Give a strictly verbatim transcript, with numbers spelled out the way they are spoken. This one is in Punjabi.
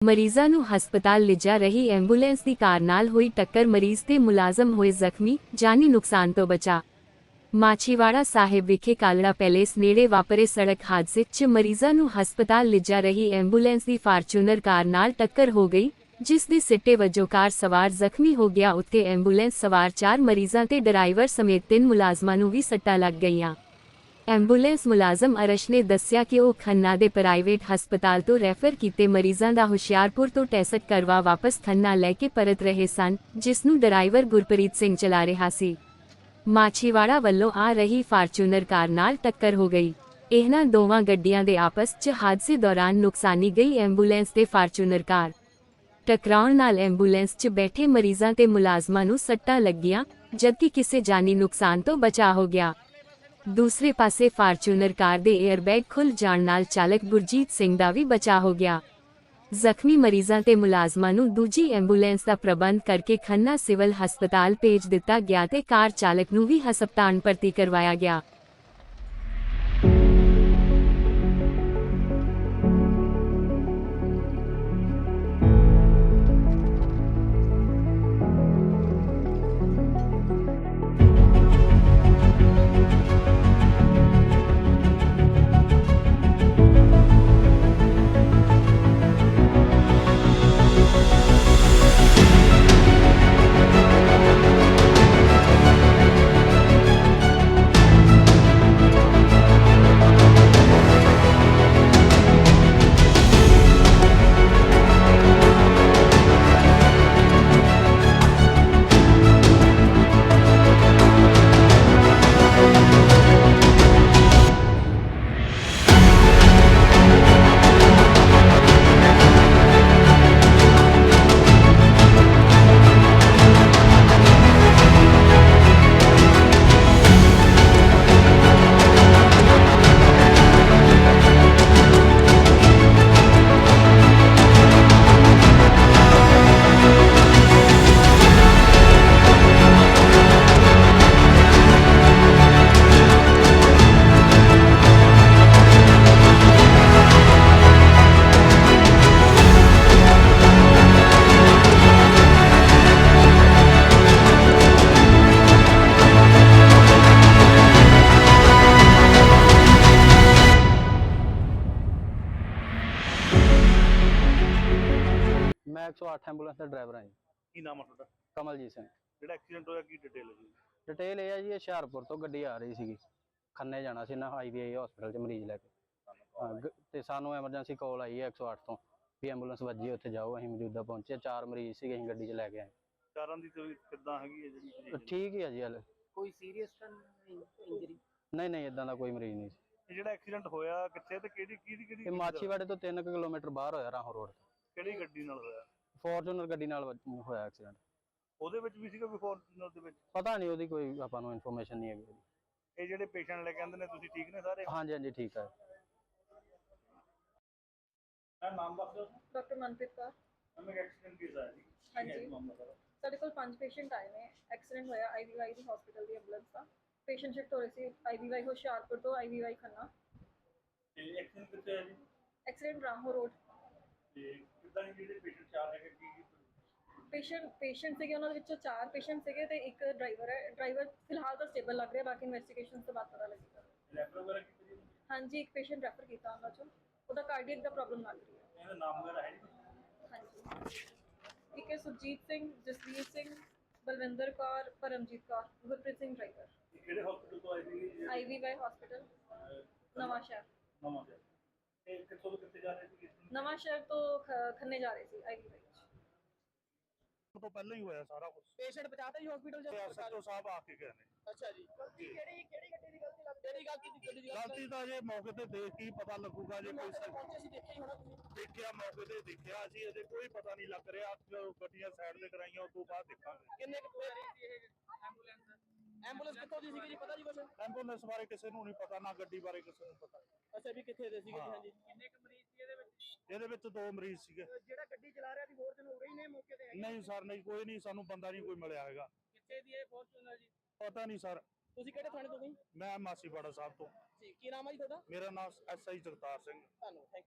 ਮਰੀਜ਼ਾਂ ਨੂੰ ਹਸਪਤਾਲ ਲਿਜਾ ਰਹੀ ਐਂਬੂਲੈਂਸ ਦੀ ਕਾਰ ਨਾਲ ਹੋਈ ਟੱਕਰ, ਮਰੀਜ਼ ਤੇ ਮੁਲਾਜ਼ਮ ਹੋਏ ਜ਼ਖਮੀ, ਜਾਨੀ ਨੁਕਸਾਨ ਤੋਂ ਬਚਾ। ਮਾਛੀਵਾੜਾ ਸਾਹਿਬ ਵਿਖੇ ਕਾਲੜਾ ਪੈਲੇਸ ਨੇੜੇ ਵਾਪਰੇ ਸੜਕ ਹਾਦਸੇ 'ਚ ਮਰੀਜ਼ਾਂ ਨੂੰ ਹਸਪਤਾਲ ਲਿਜਾ ਰਹੀ ਐਂਬੂਲੈਂਸ ਦੀ ਫਾਰਚੂਨਰ ਕਾਰ ਨਾਲ ਟੱਕਰ ਹੋ ਗਈ, ਜਿਸ ਦੇ ਸਿੱਟੇ ਵਜੋਂ ਕਾਰ ਸਵਾਰ ਜ਼ਖਮੀ ਹੋ ਗਿਆ। ਉੱਥੇ ਐਂਬੂਲੈਂਸ ਸਵਾਰ ਚਾਰ ਮਰੀਜ਼ਾਂ ਤੇ ਡਰਾਈਵਰ ਸਮੇਤ ਤਿੰਨ ਮੁਲਾਜ਼ਮਾਂ ਨੂੰ ਵੀ ਸੱਟਾਂ ਲੱਗ ਗਈਆਂ। ਐਂਬੂਲੈਂਸ ਮੁਲਾਜ਼ਮ ਅਰਸ਼ ਨੇ ਦੱਸਿਆ ਕਿ ਉਹ ਖੰਨਾ ਦੇ ਪ੍ਰਾਈਵੇਟ ਹਸਪਤਾਲ ਤੋਂ ਰੈਫਰ ਕੀਤੇ ਮਰੀਜ਼ਾਂ ਦਾ ਹੁਸ਼ਿਆਰਪੁਰ ਤੋਂ ਟੈਸਟ ਕਰਵਾ ਵਾਪਸ ਖੰਨਾ ਲੈ ਕੇ ਪਰਤ ਰਹੇ ਸਨ, ਜਿਸ ਨੂੰ ਡਰਾਈਵਰ ਗੁਰਪ੍ਰੀਤ ਸਿੰਘ ਚਲਾ ਰਿਹਾ ਸੀ। ਮਾਛੀਵਾੜਾ ਵੱਲੋਂ ਆ ਰਹੀ ਫਾਰਚੂਨਰ ਕਾਰ ਨਾਲ ਟੱਕਰ ਹੋ ਗਈ। ਇਹਨਾਂ ਦੋਵਾਂ ਗੱਡੀਆਂ ਦੇ ਆਪਸ 'ਚ ਹਾਦਸੇ ਦੌਰਾਨ ਨੁਕਸਾਨੀ ਗਈ ਐਂਬੂਲੈਂਸ ਤੇ ਫਾਰਚੂਨਰ ਕਾਰ ਟਕਰਾਉਣ ਨਾਲ ਐਂਬੂਲੈਂਸ 'ਚ ਬੈਠੇ ਮਰੀਜ਼ਾਂ ਤੇ ਮੁਲਾਜ਼ਮਾਂ ਨੂੰ ਸੱਟਾਂ ਲੱਗੀਆਂ, ਜਦਕਿ ਕਿਸੇ ਜਾਨੀ ਨੁਕਸਾਨ ਤੋਂ ਬਚਾਅ ਹੋ ਗਿਆ। ਦੂਸਰੇ ਪਾਸੇ ਫਾਰਚੂਨਰ ਕਾਰ ਦੇ ਏਅਰਬੈਗ ਖੁੱਲ੍ਹ ਜਾਣ ਨਾਲ ਚਾਲਕ ਗੁਰਜੀਤ ਸਿੰਘ ਦਾ ਵੀ ਬਚਾਅ ਹੋ ਗਿਆ। ਜ਼ਖਮੀ ਮਰੀਜ਼ਾਂ ਤੇ ਮੁਲਾਜ਼ਮਾਂ ਨੂੰ ਦੂਜੀ ਐਂਬੂਲੈਂਸ ਦਾ ਪ੍ਰਬੰਧ ਕਰਕੇ ਖੰਨਾ ਸਿਵਲ ਹਸਪਤਾਲ ਭੇਜ ਦਿੱਤਾ ਗਿਆ ਤੇ ਕਾਰ ਚਾਲਕ ਨੂੰ ਵੀ ਹਸਪਤਾਲ ਭਰਤੀ ਕਰਵਾਇਆ ਗਿਆ। मैं एक सौ आठ एंबूलेंस का ड्राइवर हाँ जी। ਕੀ ਨਾਮ ਆ ਤੁਹਾਡਾ? कमलजीत सिंह। ਜਿਹੜਾ ਐਕਸੀਡੈਂਟ ਹੋਇਆ ਕੀ ਡਿਟੇਲ ਹੈ ਜੀ? डिटेल ये है जी, ਹੁਸ਼ਿਆਰਪੁਰ ਤੋਂ ਗੱਡੀ ਆ ਰਹੀ ਸੀਗੀ, ਖੰਨੇ ਜਾਣਾ ਸੀ ਨਾ ਆਈਵੀਆਈ ਹਸਪੀਟਲ 'ਚ ਮਰੀਜ਼ ਲੈ ਕੇ। ਹਾਂ, ਤੇ ਸਾਨੂੰ ਐਮਰਜੈਂਸੀ ਕਾਲ ਆਈ ਹੈ ਇੱਕ ਸੌ ਅੱਠ ਤੋਂ ਵੀ ਐਂਬੂਲੈਂਸ ਵੱਜੀ, ਉੱਥੇ ਜਾਓ। ਅਸੀਂ ਮੌਜੂਦਾ ਪਹੁੰਚੇ, ਚਾਰ ਮਰੀਜ਼ ਸੀਗੇ, ਅਸੀਂ ਗੱਡੀ 'ਚ ਲੈ ਕੇ ਆਏ। ਚਾਰਾਂ ਦੀ ਤਬੀਅਤ ਕਿੱਦਾਂ ਹੈਗੀ ਹੈ ਜਿਹੜੀ? ਠੀਕ ਹੀ ਆ ਜੀ ਹਾਲੇ। ਕੋਈ ਸੀਰੀਅਸ ਤਾਂ ਇੰਜਰੀ? ਨਹੀਂ ਨਹੀਂ, ਇਦਾਂ ਦਾ ਕੋਈ ਮਰੀਜ਼ ਨਹੀਂ ਸੀ। ਇਹ ਜਿਹੜਾ ਐਕਸੀਡੈਂਟ ਹੋਇਆ ਕਿੱਥੇ ਤੇ ਕਿਹੜੀ ਕਿਹਦੀ ਕਿਹੜੀ ਇਹ ਮਾਛੀਵਾੜੇ ਤੋਂ ਤਿੰਨ ਕਿਲੋਮੀਟਰ ਬਾਹਰ ਹੋਇਆ, ਰਾਹੋਂ ਰੋਡ ਤੇ। ਕਿਹੜੀ ਗੱਡੀ ਨਾਲ ਹੋਇਆ? ਫੋਰਚੂਨਰ ਗੱਡੀ ਨਾਲ ਵੱਜ- ਹੋਇਆ ਐਕਸੀਡੈਂਟ। ਉਹਦੇ ਵਿੱਚ ਵੀ ਸੀਗਾ ਵੀ ਫੋਰਚੂਨਰ ਦੇ ਵਿੱਚ? ਪਤਾ ਨਹੀਂ, ਉਹਦੀ ਕੋਈ ਆਪਾਂ ਨੂੰ ਇਨਫੋਰਮੇਸ਼ਨ ਨਹੀਂ ਹੈਗੀ। ਇਹ ਜਿਹੜੇ ਪੇਸ਼ੈਂਟ ਲੈ ਕੇ ਆਂਦੇ ਨੇ, ਤੁਸੀਂ ਠੀਕ ਨੇ ਸਾਰੇ? ਹਾਂਜੀ ਹਾਂਜੀ, ਠੀਕ ਹੈ। ਮੈਂ ਨਾਮ ਦੱਸ ਦਿਓ। ਡਾਕਟਰ ਮਨਪ੍ਰੀਤ ਕੌਰ। ਮੈਂ ਐਕਸੀਡੈਂਟ ਕੇਸ ਆਇਆ ਜੀ। ਹਾਂਜੀ, ਸਾਡੇ ਕੋਲ ਪੰਜ ਪੇਸ਼ੈਂਟ ਆਏ ਨੇ। ਐਕਸੀਡੈਂਟ ਹੋਇਆ ਆਈਵੀਵਾਈ ਦੀ ਹਸਪੀਟਲ ਦੀ ਐਂਬੂਲੈਂਸ ਦਾ। ਪੇਸ਼ੈਂਟ ਸ਼ਿਫਟ ਹੋ ਰਹੇ ਸੀ ਆਈਵੀਵਾਈ ਹੁਸ਼ਿਆਰਪੁਰ ਤੋਂ ਆਈਵੀਵਾਈ ਖੰਨਾ। ਤੇ ਐਕਸੀਡੈਂਟ ਕਿੱਥੇ ਹੈ ਜੀ? Accident Rahon road. ਤੇ ਕਿੱਦਾਂ ਜਿਹੜੇ ਪੇਸ਼ੈਂਟ ਚਾਰ ਹੈਗੇ ਕੀ ਪੇਸ਼ੈਂਟ ਪੇਸ਼ੈਂਟ ਸੀਗੇ, ਉਹਨਾਂ ਦੇ ਵਿੱਚੋਂ ਚਾਰ ਪੇਸ਼ੈਂਟ ਸੀਗੇ ਤੇ ਇੱਕ ਡਰਾਈਵਰ ਹੈ। ਡਰਾਈਵਰ ਫਿਲਹਾਲ ਤਾਂ ਸਟੇਬਲ ਲੱਗ ਰਿਹਾ, ਬਾਕੀ ਇਨਵੈਸਟੀਗੇਸ਼ਨ ਤੋਂ ਬਾਅਦ ਪਤਾ ਲੱਗੇਗਾ। ਰੈਫਰ ਵਗੈਰਾ ਕੀਤੀ ਜੀ? ਹਾਂਜੀ, ਇੱਕ ਪੇਸ਼ੈਂਟ ਰੈਫਰ ਕੀਤਾ ਉਹਨਾਂ ਚੋਂ, ਉਹਦਾ ਕਾਰਡੀਅਕ ਦਾ ਪ੍ਰੋਬਲਮ ਲੱਗ ਰਹੀ ਹੈ। ਇਹਦਾ ਨਾਮ ਵਗੈਰਾ ਹੈ ਜੀ? ਹਾਂਜੀ, ਇੱਕ ਹੈ ਸੁਰਜੀਤ ਸਿੰਘ, ਜਸਵੀਰ ਸਿੰਘ, ਬਲਵਿੰਦਰ ਕੌਰ, ਪਰਮਜੀਤ ਕੌਰ, ਗੁਰਪ੍ਰੀਤ ਸਿੰਘ ਡਰਾਈਵਰ। ਕਿਹੜੇ ਹਸਪੀਟਲ ਤੋਂ ਆਏ ਸੀ? ਆਈਵੀਵਾਈ ਹਸਪੀਟਲ ਨਵਾਂ ਸ਼ਹਿਰ। ਨਵਾਂ ਸ਼ਹਿਰ। ਤੇ ਕਿੱਥੋਂ ਤੋਂ ਕਿੱਥੇ ਜਾ ਰਹੇ ਸੀ? ਨਵਾਂ ਸ਼ਹਿਰ ਤੋਂ ਖ- ਖੰਨੇ ਜਾ ਰਹੇ ਸੀ ਆਈਵੀਵਾਈ। ਤੋਂ ਪਹਿਲਾਂ ਹੀ ਹੋਇਆ ਸਾਰਾ ਕੁਝ। ਪੇਸ਼ੈਂਟ ਬਚਾਤਾ ਜੀ ਹਸਪੀਟਲ ਚ? ਐਸਐਚਓ ਸਾਹਿਬ ਆ ਕੇ ਗਏ ਨੇ। ਅੱਛਾ ਜੀ। ਕਿਹੜੀ ਕਿਹੜੀ ਗੱਡੀ ਦੀ ਗਲਤੀ ਲੱਗਦੀ? ਕਿਹੜੀ ਗਲਤੀ ਦੀ ਗੱਡੀ ਦੀ ਗਲਤੀ ਤਾਂ ਜੇ ਮੌਕੇ ਤੇ ਦੇਖ ਕੇ ਹੀ ਪਤਾ ਲੱਗੂਗਾ। ਜੇ ਕੋਈ ਸਰ ਪਹੁੰਚੇ ਸੀ, ਦੇਖਿਆ ਹੀ ਹੋਣਾ ਤੁਸੀਂ। ਦੇਖਿਆ, ਮੌਕੇ ਤੇ ਦੇਖਿਆ ਅਸੀਂ, ਅਜੇ ਕੋਈ ਪਤਾ ਨਹੀਂ ਲੱਗ ਰਿਹਾ। ਜਦੋਂ ਗੱਡੀਆਂ ਸਾਈਡ ਤੇ ਕਰਾਈਆਂ ਉਸ ਤੋਂ ਬਾਅਦ ਦੇਖਾਂਗੇ। ਕਿੰਨੇ ਕੁ ਪੈ ਰਹੀ ਸੀ ਇਹ ਐਂਬੂਲੈਂਸ? ਐਂਬੂਲੈਂਸ ਕਿੱਥੋਂ ਦੀ ਸੀਗੀ ਜੀ, ਪਤਾ ਜੀ ਕੁਛ? ਐਂਬੂਲੈਂਸ ਬਾਰੇ ਕਿਸੇ ਨੂੰ ਨਹੀਂ ਪਤਾ, ਨਾ ਗੱਡੀ ਬਾਰੇ ਕਿਸੇ ਨੂੰ ਪਤਾ। ਅੱਛਾ ਵੀ ਕਿੱਥੇ ਦੇ ਸੀਗੇ ਜੀ? ਹਾਂ। ਹਾਂਜੀ, ਕਿੰਨੇ ਕੁ ਮਰੀਜ਼ ਸੀ ਇਹਦੇ ਵਿੱਚ? ਇਹਦੇ ਵਿੱਚ ਦੋ ਮਰੀਜ਼ ਸੀਗੇ। ਜਿਹੜਾ ਗੱਡੀ ਚਲਾ ਰਿਹਾ ਸੀ ਹੋਰ ਜਨ ਹੋ ਗਈ ਨੇ ਮੌਕੇ ਤੇ? ਨਹੀਂ ਸਰ, ਨਹੀਂ, ਕੋਈ ਨਹੀਂ, ਸਾਨੂੰ ਬੰਦਾ ਨਹੀਂ ਕੋਈ ਮਿਲਿਆ ਹੈਗਾ। ਕਿੱਥੇ ਦੀ ਇਹ ਫੋਰਚੂਨਰ ਜੀ? ਪਤਾ ਨਹੀਂ ਸਰ। ਤੁਸੀਂ ਕਿਹੜੇ ਥਾਣੇ ਤੋਂ ਗਈ? ਮੈਂ ਮਾਸੀਵਾੜਾ ਸਾਹਿਬ ਤੋਂ। ਜੀ, ਕੀ ਨਾਮ ਹੈ ਜੀ ਤੁਹਾਡਾ? ਮੇਰਾ ਨਾਮ ਐਸ ਆਈ ਜਗਤਾਰ ਸਿੰਘ। ਤੁਹਾਨੂੰ ਥੈਂਕ